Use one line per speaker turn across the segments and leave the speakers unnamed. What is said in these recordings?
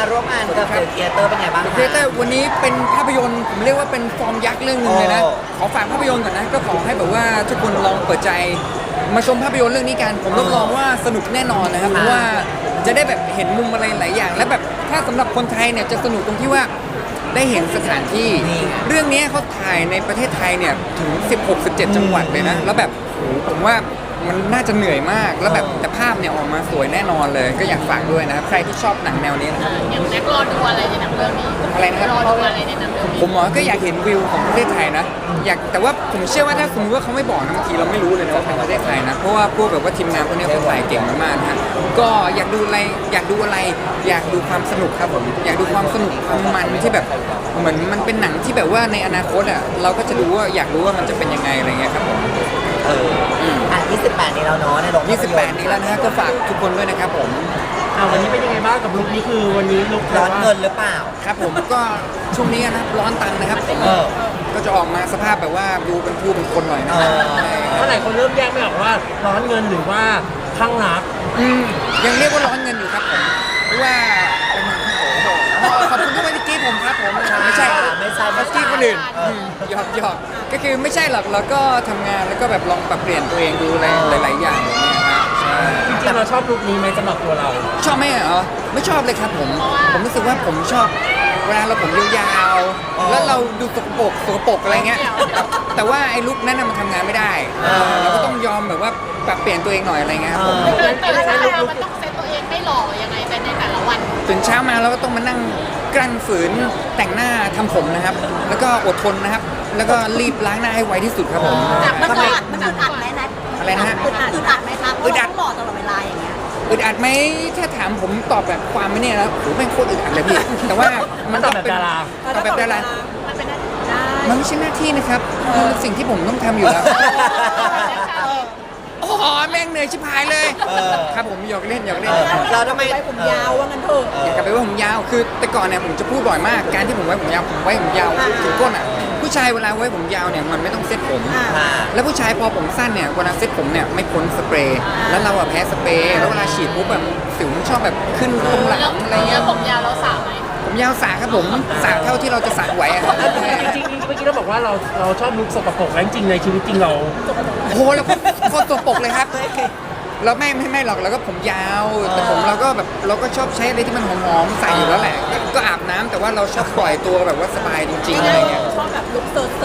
ร่วมงานกับเดอะเธียเตอร์เป็นไงบ้าง
เทเตอร์วันนี้เป็นภาพยนตร์ผมเรียกว่าเป็นฟอร์มยักษ์เรื่องหนึ่งเลยนะ
โอ้
ขอฝากภาพยนตร์ก่อนนะก็ขอให้แบบว่าทุกคนลองเปิดใจมาชมภาพยนตร์เรื่องนี้กันผมรับรองว่าสนุกแน่นอนนะครับเพราะว่าจะได้แบบเห็นมุมอะไรหลายอย่าง และแบบถ้าสำหรับคนไทยเนี่ยจะสนุกตรงที่ว่าได้เห็นสถานที่เรื่องนี้เขาถ่ายในประเทศไทยเนี่ยถึง 16-17 จังหวัดเลยนะแล้วแบบโหผมว่ามันน่าจะเหนื่อยมากแล้วแบบแต่ภาพเนี่ยออกมาสวยแน่นอนเลย ก็อยากฝากด้วยนะครับใครที่ชอบหนังแนวนี้นะครับ
อย่างแน็กรอดูอะไรในหนังเรื่องนี้
อะไรนะครับ
รอดูอะไรในหนังเรื่องนี้
ผมก็อยากเห็นวิวของประเทศไทยนะอยากแต่ว่าผมเชื่อว่าถ้าสมมติว่าเขาไม่บอกนะบางทีเราไม่รู้เลยนะว่าเป็นประเทศไทยนะเพราะว่าพวกแบบว่าทีมงานพวกนี้เขาถ่ายเก่งมากๆนะฮะก็อยากดูอะไรอยากดูความสนุกครับผมอยากดูความสนุกความมันที่แบบเหมือนมันเป็นหนังที่แบบว่าในอนาคตอ่ะเราก็จะรู้ว่าอยากรู้ว่ามันจะเป็นยังไงอะไรเงี้ยครับผม
28นี้แล้วเนาะในโรงภาพยนตร์
28นี้แล้วนะฮะก็ฝากทุกคนด้วยนะครับผม
วันนี้เป็นยังไงบ้างกับลุคนี้คือวันนี้ลุค
ร้อนเงินหรือเปล่า
ครับผมก็ช่วงนี้นะร้อนตังค์นะครับผม ก็จะออกมาสภาพแบบว่าดูเป็นผู้เป็นคนหน่อยนะ
เมื่อไหร่คนเริ่มแยกไม่ออกว่าร้อนเงินหรือว่าข้างรัก
ยังเรียกว่าร้อนเงินอยู่ครับผมเพราะว่าเป็นคนที่โอ้โหขอบคุณที่ไม่ได้กรีดผมครับผมไม่ใช่
ไม่ใช่
เขากรีดคนอื่นหยอกก็คือไม่ใช่หรอกเราก็ทำงานแล้วก็แบบลองปรับเปลี่ยนตัวเองดูอะไรหลายๆอย่างอย่างเงี้ยครับใช่
จริงๆเราชอบลุคนี้ไหมสำหรับตัวเรา
ชอบไหมเหรอไม่ชอบเลยครับผมรู้สึกว่าผมชอบเวลาเราผมยาวๆแล้วเราดูสกปรกอะไรเงี้ยแต่ว่าไอ้ลุคนั้นน่ะมันทำงานไม่ได้เราก็ต้องยอมแบบว่าปรับเปลี่ยนตัวเองหน่อยอะไรเงี้ยครับผม
แต่ละวันมันต้องเซตตัวเองให้หล่อยังไงเป็นในแต่ละวัน
ตื่นเช้ามาเราก็ต้องมานั่งกลั้นฝืนแต่งหน้าทำผมนะครับ แล้วก็อดทนนะครับ แล้วก็รีบล้างหน้าให้ไวที่สุดครับผม
มันอึดอัดไหมนะ
อะไรนะฮะ
อึดอัดไหมครับเพราะเราต้องหล่อตลอดเวลาอย่างเงี้ย
อึดอัดไหมถ้าถามผมตอบแบบความไม่เนี่ยแล้วโหแม่งโคตรอึดอัดเลยพี่แต่ว่ามัน
ต
ต้
อ
อบ ง
แบบ
เป็น
ดารา
ตอบแบบดารา
มันเป็นได้
มันไม่ใช่หน้าที่นะครับมันเป็นสิ่งที่ผมต้องทำอยู่แล้วโอ้โหแม่งเหนื่อยชิบหายเลยครับผมหยอกเล่น
เราทำไม
ไว้ผมยาวว่างั้นเถอะ
อยากกลับไปไว้ผมยาวคือแต่ก่อนเนี่ยผมจะพูดบ่อยมากการที่ผมไว้ผมยาวถึงก้นอ่ะผู้ชายเวลาไว้ผมยาวเนี่ยมันไม่ต้องเซ็ตผม แล้วผู้ชายพอผมสั้นเนี่ยเวลาเซ็ตผมเนี่ยไม่พ้นสเปรย์แล้วเราอะแพ้สเปรย์แล้วเวลาฉีดปุ๊บแบบสิวมันชอบแบบขึ้นตรงหลังอะไรเงี้ย
ผมยาวเราสาวไหม
ผมยาวสระครับผมสระเท่าที่เราจะสระไหวอะครับ
จริงๆเมื่อกี้เราบอกว่าเราชอบลุคสกปรกแล้วจริงๆในชีวิตจริงเรา
โอ้โหแล้วโคตรตัวปกเลยครับเราไม่หรอกเราก็ผมยาวแต่ผมเราก็แบบเราก็ชอบใช้อะไรที่มันหอมๆใส่อยู่แล้วแหละก็อาบน้ำแต่ว่าเราชอบปล่อยตัวแบบว่าสบายจริงๆอะไรเงี้ย
ชอบแบบลุคเซอร์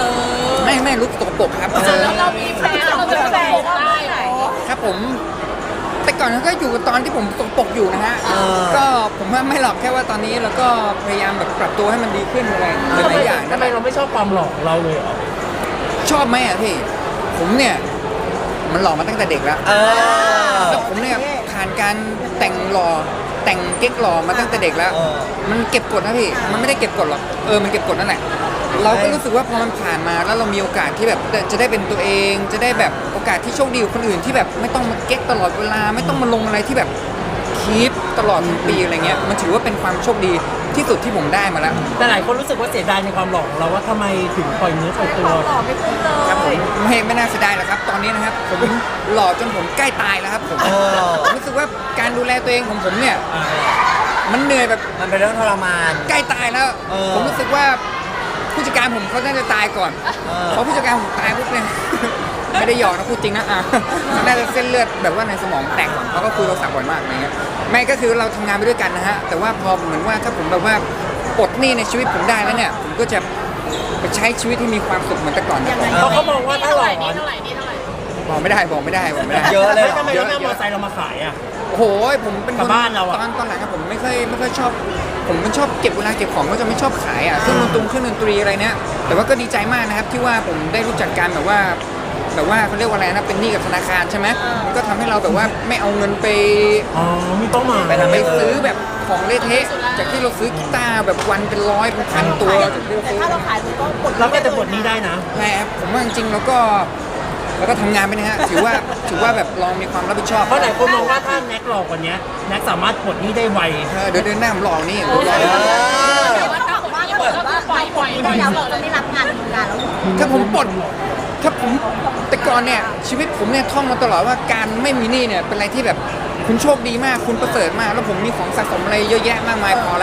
ไม่ลุกตกปรกครับ
แล้วเรามีแฟนเราเป็นแฟนได้ไหม
ครับผมแต่ก่อนก็อยู่กับตอนที่ผมตกปรกอยู่นะฮะก็ผมว่าไม่หรอกแค่ว่าตอนนี้เราก็พยายามแบบปรับตัวให้มันดีขึ้นอะไรหลายๆอย่าง
ทำไมเราไม่ชอบความหล่อของเราเลยเหรอ
ชอบไหมอ่ะพี่ผมเนี่ยมันหล่อมาตั้งแต่เด็กแล้วแล้วผมเนี่ยผ่านการแต่งหล่อแต่งเก๊กหล่อมาตั้งแต่เด็กแล้ว มันเก็บกดนะพี่มันไม่ได้เก็บกดหรอกมันเก็บกดนั่นแหละเราก็รู้สึกว่าพอมันผ่านมาแล้วเรามีโอกาสที่แบบจะได้เป็นตัวเองจะได้แบบโอกาสที่โชคดีกว่าคนอื่นที่แบบไม่ต้องมาเก๊กตลอดเวลาไม่ต้องมาลงอะไรที่แบบคีปตลอดทั้งปีอะไรเงี้ยมันถือว่าเป็นความโชคดีที่สุดที่ผมได้มาแล้ว
แต่หลายคนรู้สึกว่าเสียดายในความหล่อของเราว่าทำไมถึงปล่อยเนื้อปล่อยตัว
หล่อไม่ขึ้นเล
ครับผม
ย
ไม่น่าเสียดายหรอกครับตอนนี้นะครับผมหล่อจนผมใกล้ตายแล้วครับผมรู้สึกว่าการดูแลตัวเองของผมเนี่ยมันเหนื่อยแบบ
มันเป็นเรื่องทรมาน
ใกล้ตายแล้ว ผมรู้สึกว่าผู้จัดการผมเขาน่าจะตายก่อนพอผู้จัดการผมตายปุ๊บเนี่ย ไม่ได้หยอกนะพูดจริงนะน่าจะเส้นเลือดแบบว่าในสมองแตกก่อนเขาก็คุยโทรศัพท์บ่อยมากอะไรเงี้ยไม่ก็คือเราทำงานไปด้วยกันนะฮะแต่ว่าพอเหมือนว่าถ้าผมแบบว่าปลดหนี้ในชีวิตผมได้แล้วเนี่ยผมก็จะไปใช้ชีวิตที่มีความสุขเหมือนแต่ก่อนนะ
เพราะเขามองว่าถ้าหล่อ
นี่เท่าไหร่นี่เท่าไหร่
บอกไม่ได้
เยอะเลยเหรอ
ทำไมเราไม่เอามอเตอร์ไซค์เรามาขายอ่ะ
โอ้โหผมเป็น
กับบ้านเราอะ
ตอนหลังอะผมไม่ค่อยชอบ ผมเป็นชอบเก็บเวลาเก็บของก็จะไม่ชอบขายเครื่องดนตรีอะไรเนี้ยแต่ว่าก็ดีใจมากนะครับที่ว่าผมได้รู้จักการแบบว่าเขาเรียกว่าอะไรนะเป็นหนี้กับธนาคารใช่ไหมมันก็ทำให้เราแบบว่าไม่เอาเงินไป
อ๋อมีเป้าหมาย
ไปซื้อแบบของเละเทะจากที่เราซื้อกีตาร์แบบวันเป็นร้อยเป็นพันตัวจากที่เรา
แต่
ซื้อ
ถ้าเราขายมันก็ปลด
เราก็จะปลดหนี้ได้นะ
แหมผมว่าจริงๆแล้วก็ทำงานไปนะฮะถือว่าแบบลองมีความรับผิดชอบ
เพราะหลายคนมองว่าถ้าแน็กหล่อกว่านี้แน็กสามารถปลดหนี้ได้ไว
เดี๋ยวเดินหน้าผมหลอกนี่
แต่ว่าถ้าบอกว่าถ้าเกิดว่าปล่อยได้แล้วเราจะไม่รับงานทำงานแล้วหรอ
ถ้าผมแต่ก่อนเนี่ยชีวิตผมเนี่ยท่องมาตลอดว่าการไม่มีหนี้เนี่ยเป็นอะไรที่แบบคุณโชคดีมากคุณประเสริฐมากแล้วผมมีของสะสมอะไรเยอะแยะมากมายพอแล้ว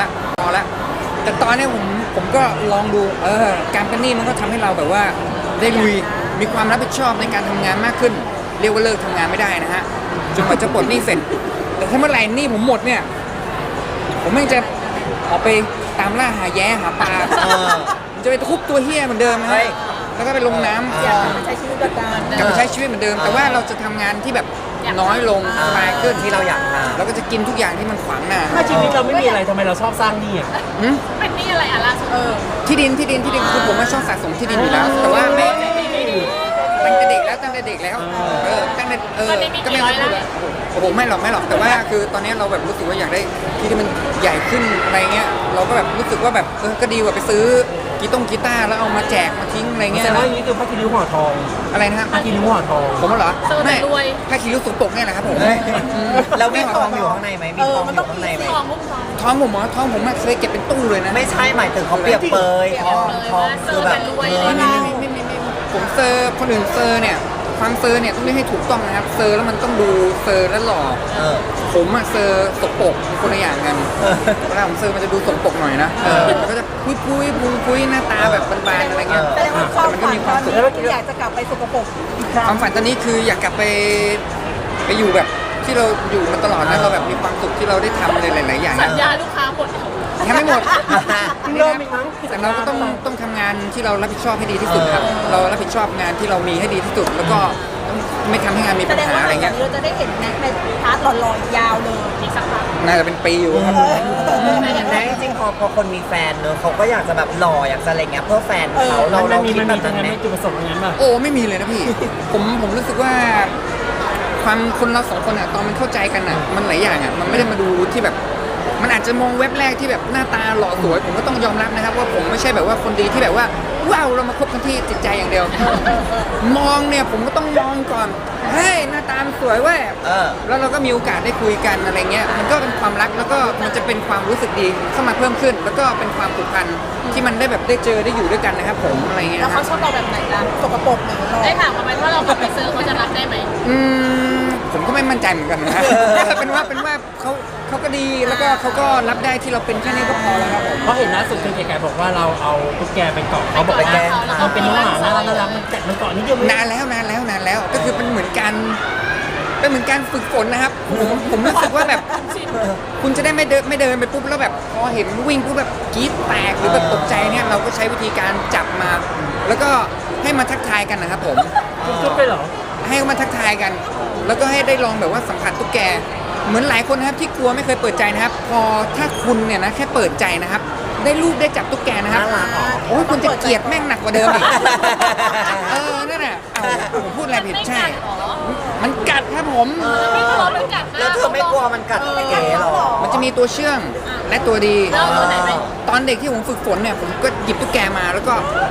แล้ว แต่ตอนนี้ผมก็ลองดูการเป็นหนี้มันก็ทำให้เราแบบว่าได้ลุยมีความรับผิดชอบในการทำงานมากขึ้น เรียกว่าเลิกทำงานไม่ได้นะฮะจนกว่าจะปลดหนี้เสร็จแต่ถ้าเมื่อไหร่หนี้ผมหมดเนี่ยผมไม่งจะออกไปตามล่าหาแย้หาปลาผมจะไปทุบตัวเฮี้ยเหมือนเดิมนะฮะแล้วก็ไปลงน้ำ
ใช้ชีวิตแบบการ
กลับมาใช้ชีวิตเหมือนเดิม แต่ว่าเราจะทำงานที่แบบน้อยลงสบายขึ้น
ที่เราอยากท
แล้วก็จะกินทุกอย่างที่มันขวางหน้า
ถ้าชีวิตเราไม่มีอะไรทำไมเราชอบสร้างหนี้อ่ะ
หืม
เป็นนี่อะไรอ่ะล่าสุด
ที่ดินคือผมว่าชอบสะสมที่ดินอยู่แล้ว แต่ว่าไม่ตั้งแต่เด็กแล้วตั้งแต่ก็ไม่รู้เลยโอ้โหไม่หรอกแต่ว่าคือตอนนี้เราแบบรู้สึกว่าอยากได้ที่ที่มันใหญ่ขึ้นอะไรเงี้ยเราก็แบบรู้สึกว่าแบบก็ดีกว่าไปซื้อกีตาร์แล้วเอามาแจกมาทิ้งอะไรเงี้ย
แต่ว่าอย่างนี้คือพระคิริ้วห่อทอง
อะไรนะฮะ
พระคิริ้วห่อทอง
ผมเหรอ
เซอร์
ไม่
แต่รวย
ถ้าคิริ้วสุกปกเนี่ยแหละครับผม
ำแล้วมีทองอยู่ข้างในไหมมีทองอยู่ข้างในไหม
ทองมุกทอง
ท้องผมเหรอท้องผมเคยเก็บเป็นตู้เลยนะ
ไม่ใช่หมายถึงเขาเปรียบเปยทองคือแบบเงิน
ไม่ผมเซอร์คนอื่นเซอร์เนี่ยความเซอร์เนี่ยต้องเรียกให้ถูกต้องนะครับเซอร์แล้วมันต้องดูเซอร์แล้วหล่อ ผมอะเซอร์สกปรกคนละอย่างกันเวลาผมเซอร์มันจะดูสกปรกหน่อยนะมันก็จะพุยหน้าตาแบบบานๆอะไรเงี้ย
แสดงว่าความ
แต่มันก็
ฝัน
มีค
ต
วา
อ
ม
น
สุข
นี้อยากจะกลับไปสกปรกอีกครั้
ควาง มฝันตอนนี้คืออยากกลับไปอยู่แบบที่เราอยู่มาตลอดนะเราแบบมีความสุขที่เราได้ทำอะไรหลายๆอย่าง
สัญญาลูกค้าหมด
ยังไม่หมด
เริ่มอีกมั้ง
แต่เราก็ต้องทำงานที่เรารับผิดชอบให้ดีที่สุดครับเรารับผิดชอบงานที่เรามีให้ดีที่สุดแล้วก็ต้องไม่ทำให้งานมี
แส
Dạ,
ปัญ
ดง
หา
ว่า
อะไร
หลังจา
เงี้
ก
ย
นี้เราจะได้เห็นแน็กในพาร์ทหล่อๆยาวเลย
อีกสักพัก
น่าจะเป็นปีอยู่ครับ
แต่จริงๆพอคนมีแฟนเนอะเขาก็อยากจะแบบหล่ออยากจะอะไรเงี้ยเพื่อแฟนเขา
เรา
เรา
มี
คิด
มัน
แบ
มี
บ
ตรง
นั้น
นั้น
ไหม
ไหมจุดประสงค์ตรงนั้นป่ะ
โอ้ไม่มีเลยนะพี่ ผมรู้สึกว่าความคนเราสองคนอะตอนมันเข้าใจกันอะมันหลายอย่างอะมันไม่ได้มาดูที่แบบ มันอาจจะมองเว็บแรกที่แบบหน้าตาหล่อสวยผมก็ต้องยอมรับนะครับว่าผมไม่ใช่แบบว่าคนดีที่แบบว่าว้าวเรามาคบกันที่จิตใจอย่างเดียว มองเนี่ยผมก็ต้องมองก่อนเฮ้ยหน้าตามันสวยเว้ยแล้วเราก็มีโอกาสได้คุยกันอะไรเงี้ยมันก็เป็นความรักแล้วก็มันจะเป็นความรู้สึกดีเข้ามาเพิ่มขึ้น แล้วก็เป็นความผูกพันที่มันได้แบบได้เจอได้อยู่ด้วยกันนะครับผมอะไรเงี้ย
แล้วเขาชอบเราแบบไหนล่ะสกปรกหรือหล่อ
ได้ถามเขาไหมว่าเรากลับไปซื้อเขาจะรับได้ไหม
ผมก็ไม่มั่นใจเหมือนกันนะ เป็นว่าเขาก็ดีแล้วก็เขาก็รับได้ที่เราเป็นแค่นี้ก็พอแล้วครับผม
เพราะเห็นล่าสุดคือแกบอกว่าเราเอาตุ๊กแกไปเกาะเขาบอกว่าเราเป็นน้องหมาน่ารักมันกัดมันเกาะนิดเดียว
นานแล้วก็คือเป็นเหมือนการฝึกฝนนะครับผมรู้สึกว่าแบบคุณจะได้ไม่เดินไปปุ๊บแล้วแบบพอเห็นวิ่งปุ๊บแบบกรี๊ดแตกหรือแบบตกใจเนี่ยเราก็ใช้วิธีการจับมา แล้วก็ให้มาทักทายกันนะครับผม
จุ๊บไปเหรอ
ให้เขามาทักทายกัน แล้วก็ให้ได้ลองแบบว่าสัมผัสตุ๊กแก เหมือนหลายคนนะครับที่กลัวไม่เคยเปิดใจนะครับ พอถ้าคุณเนี่ยนะแค่เปิดใจนะครับ ได้รูปได้จับตุ๊กแกนะครับโอ้ยคุณจะเกลียดแม่งหนักกว่าเดิมอีกนั่นน่ะผมพูดอะไรผิดใช่ มันกัดครับผม
ไม่ทะเลาะมันกัดนะ
แล้วเธอไม่กลัวมันกัดเก๋หรอ
มันจะมีตัวเชื่องและตัวดี
แล้วตัวไหนไหม
ตอนเด็กที่ผมฝึกฝนเนี่ยผมก็หยิบตุ๊กแกมาแล้วก็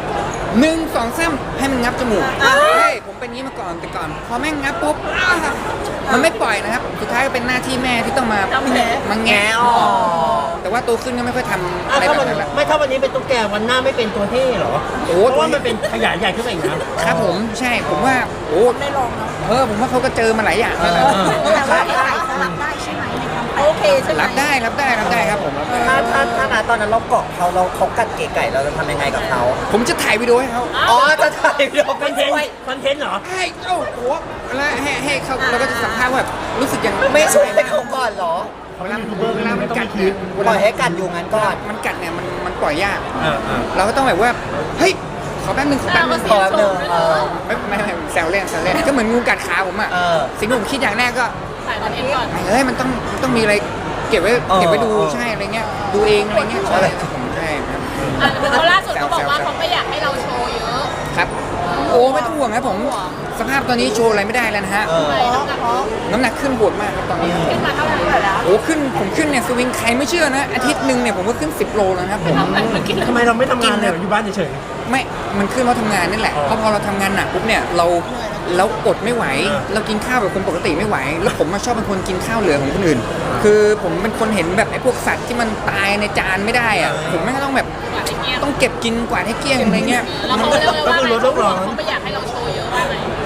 1 2 3ให้มันงับจมูกเฮ้ยผมเป็นงี้มาก่อนแต่ก่อนพอแม่งงับปุ๊บมันไม่ปล่อยนะครับสุดท้ายก็เป็นหน้าที่แม่ที่ต้องมาแงะออกแต่ว่าโตขึ้นก็ไม่ค่อยทำอะไร
ถ้า
แบบ
วัน
นั้นละ
ไม่ถ้าวันนี้เป็นตุ๊กแกวันหน้าไม่เป็นตัวเท่เหรอ
โอ้
เพราะว่ามันเป็นขยายใหญ่ขึ้นไปอีกนะครับ
ผมใช่ผมว่าโอ้
ได้ลองเนาะ
ผมว่าเขาก็เจอมาหลายอย่างแล้วนะ
แต่ว่าไอ้ไข่สลับได้ใช่ไหมในความโอเคใช่ไหม
รับได้ครับผมรับได้
ถ้าตอนนั้นเราเกาะเขากัดเก๋ไก่เราจะทำยังไงกับเขา
ผมจะถ่ายวิดีโอให้เขา
อ๋อจะถ่ายวิดีโอ
ค
ไป
อนเทน
ช่วย
ต์คอนเทนต์เหรอ
ให้เจ้าหัวแล้วให้เขาเราก็จะสัมภาษณ์ว่าแบบรู้สึกยัง
ไม่ช่วยเขาก่อนเหรอ
เวลามันกัดเนี่ย
ปล่อยให้กัดอยู่งั้นก่อน
มันกัดเนี่ยมันปล่อยยากเราก็ต้องแบบว่าเฮ้ยขอแป๊บนึง
ขอแป๊บนึง
ไม่แซวเล่นก็เหมือนงูกัดขาผมอ่ะสิ่งที่ผมคิดอย่างแรกก็
ถ่ายคอนเทนต์ก่อน
เฮ้ยมันต้องมีอะไรเก็บไว้ดูใช่อะไรเงี้ยดูเองอะไรเงี้ยใช่ผมใช่ครับ
เขาล่าสุดเขาบอกว่าเขาไม่อยากให้เราโชว์เยอะ
ครับโอ้ไม่ต้องห่วงครับผมสภาพตอนนี้โชว์อะไรไม่ได้แล้วนะฮะ น้ำหนักขึ้นโหดมากครับตอนนี้
ขึ้นมาเท่าไหร่แล้ว
โอ้ผมขึ้นเนี่ยสวิงใครไม่เชื่อนะอาทิตย์หนึ่งเนี่ยผมก็ขึ้น10 โลแล้วนะครับผม
ทำไมเราไม่ทำงานเลยอยู่บ้านเฉย
ไม่มันขึ้นเพราะทำงานนี่แหละเพราะพอเราทำงานหนักปุ๊บเนี่ยเราอดไม่ไหว เรากินข้าวแบบคนปกติไม่ไหว แล้วผมมาชอบเป็นคนกินข้าวเหลือของคนอื่น คือผมเป็นคนเห็นแบบไอ้พวกสัตว์ที่มันตายในจานไม่ได้อะผมไม่ต้องแบบต้องเก็บกินกว่าให้เกลี้ยงอะไรเงี้ย
แล้วเขาเรียกว่าเขาไม่อยากให้เราโชว์เยอะว่าไง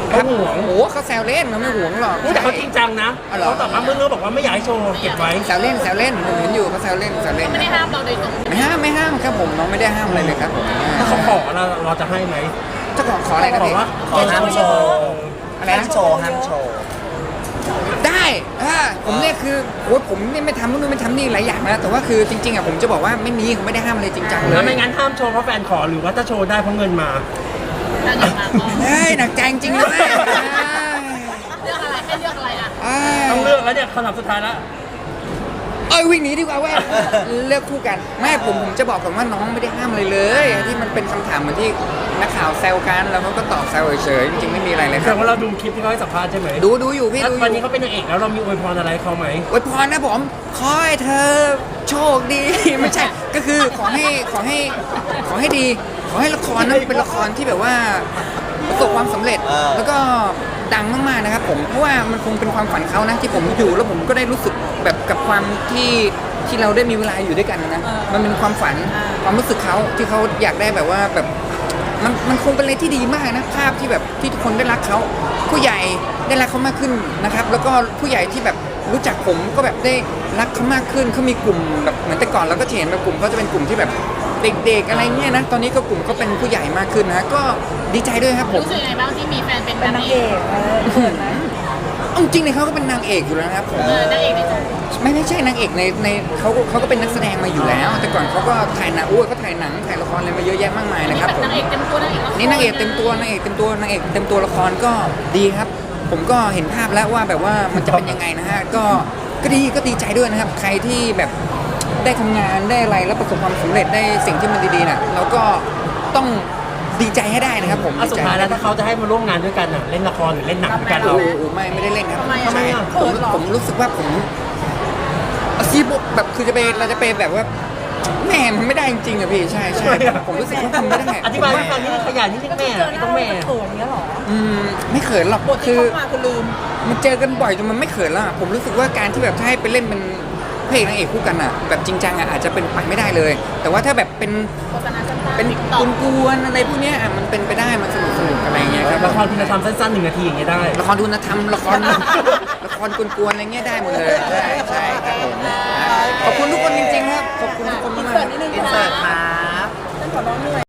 เขาห่วง
โอ้โหเขาแซวเล่นเขาไม่ห่วงหรอก
แต่เขาจริงจังนะ
อ๋อเหรอ
เขาตอบมาเมื่อบอกว่าไม่อยากให้โชว์เก็บไว้
แซวเล่นผมเห็นอยู่เขาแซวเล่น
ไม่ได้ห้ามเราโดยตรง
ไม่ห้ามครับผมน้องไม่ได้ห้ามอะไรเลยครับผม
ถ้าเขาขอเราจะให้ไหม
จะขออะไรนะ
บอ
พี่
กว่า
ขอห้ามโชว์
อะไร
ห้าม
นะ
โชว์ห้ามโชว์
ได้ผมเนี่ยคือโอ้ยผมเนี่ยไม่ทำนู่นไม่ทำนี่หลายอย่างนะแต่ว่าคือจริงๆอ่ะผมจะบอกว่าไม่มีผมไม่ได้ห้ามอะไรจริงจังเล
แล้ว
ย
ไม่งั้นห้ามโชว์เพราะแฟนขอหรือว่าถ้าโชว์ได้เพราะเงินมา
ถ้าเกิดมาก็
เฮ้ยหนักใจจริงๆเลย
เลือกอะไรให้เลือกอะไรอ่ะ
ต้องเลือกแล้วเนี่ยคำถามสุดท้ายแล้ว
วิ่งหนีดีกว่าเว้ยเลือกคู่กันไม่ผมจะบอกก่อนว่าน้องไม่ได้ห้ามอะไรเลย ที่มันเป็นคำถามเหมือนที่นักข่าวแซวกันแล้วเขาก็ตอบแซวเฉยๆจริงๆไม่มีอะไรเลยค
แสด
รับ
งว่าเราดูคลิปที่เขาให้สัมภาษณ์ใช่ไหม
ดูอยู่พี่
แล้ว
ดูอ
วันนี้
ยู่
เขาเป็นนางเอกแล้วเรามีอวยพรอะไรให้เขาไหม
อวยพรนะผมขอให้เธอโชคดี ไม่ใช่ก็คือขอให้ดีขอให้ละครนั้นเป็นละครที่แบบว่าประสบความสำเร็จ แล้วก็ดังมากๆนะครับผมเพราะว่ามันคงเป็นความฝันเขานะที่ผมอยู่แล้วผมก็ได้รู้สึกแบบกับความที่เราได้มีเวลาอยู่ด้วยกันนะมันเป็นความฝันความรู้สึกเขาที่เขาอยากได้แบบว่าแบบมันคงเป็นอะไรที่ดีมากนะภาพที่แบบที่ทุกคนได้รักเขาผู้ใหญ่ได้รักเขามากขึ้นนะครับแล้วก็ผู้ใหญ่ที่แบบรู้จักผมก็แบบได้รักเขามากขึ้นเขามีกลุ่มแบบเหมือนแต่ก่อนเราก็เห็นแบบกลุ่มเขาจะเป็นกลุ่มที่แบบเด็กๆอะไรเงี้ยนะตอนนี้ก็กลุ่มเขาเป็นผู้ใหญ่มากขึ้นนะก็ดีใจด้วยครับผม
รู้สึกยังไงบ้างที่มีแฟนเป็นนางเอก
เอาจริงเลยเขาก็เป็นนางเอกอยู่แล้วนะครับผม
นางเอกในใจ
ไม่ใช่นางเอกในเขาก็เป็นนักแสดงมาอยู่แล้ว แต่ก่อนเขาก็ถ่ายหนังเขาถ่ายหนังถ่ายละครอะไรมาเยอะแยะมากมายนะครับผม
นางเอกเต็มตัวนางเอกละคร
นี่นางเอกเต็มตัวนางเอกเต็มตัวละครก็ดีครับ ผมก็เห็นภาพแล้วว่าแบบว่ามันจะเป็นยังไงนะฮะก็ดีใจด้วยนะครับ ใครที่แบบได้ทำงานได้อะไรแล้วประสบความสำเร็จได้สิ่งที่มันดีๆน่ะเราก็ต้องดีใจให้ได้นะครับผม
อ่ะสุดท้ายแล้วถ้าเขาจะให้มาร่วมงานด้วยกันน่ะเล่นละครหรือเล่นหนังด้วยกันเรา
โอ้โหไม่ได้เล่นครับ
ทำไมอ่ะ
ผมรู้สึกว่าผมซีบแบบคือเราจะไปแบบว่าแม่มันไม่ได้จริงๆอะพี่ใช่ผมรู้สึกว่าทำไม่ได้
อธิบายให้ฟังนิดนึงขยันนิดนึงแม่ไม่ต้องแม่
ไม่เขินหรอกคือมันเจอกันบ่อยจนมันไม่เขินแล้วอะผมรู้สึกว่าการที่แบบถ้าให้ไปเล่นเป็นพระเอกนางเอกคู่กันอะแบบจริงจังอะอาจจะเป็นไปไม่ได้เลย แต่ว่าถ้าแบบเป็น
โฆษณาสั้นๆ
เป็น
TikTok
กวนๆอะไรพวกเนี้ยอะมันเป็นไปได้มันสนุกอะไรเงี้ยครับ
ละครคุณธรรมสั้นๆ1 นาทีอย่างเงี้ยได้
ละครดูนะทำละครกวนๆอะไรเงี้ยได้หมดเลยใช่ครับผมขอบคุณทุกคนจริงๆครับขอบคุณทุกคนมากๆ
อินเสิร์ตครับ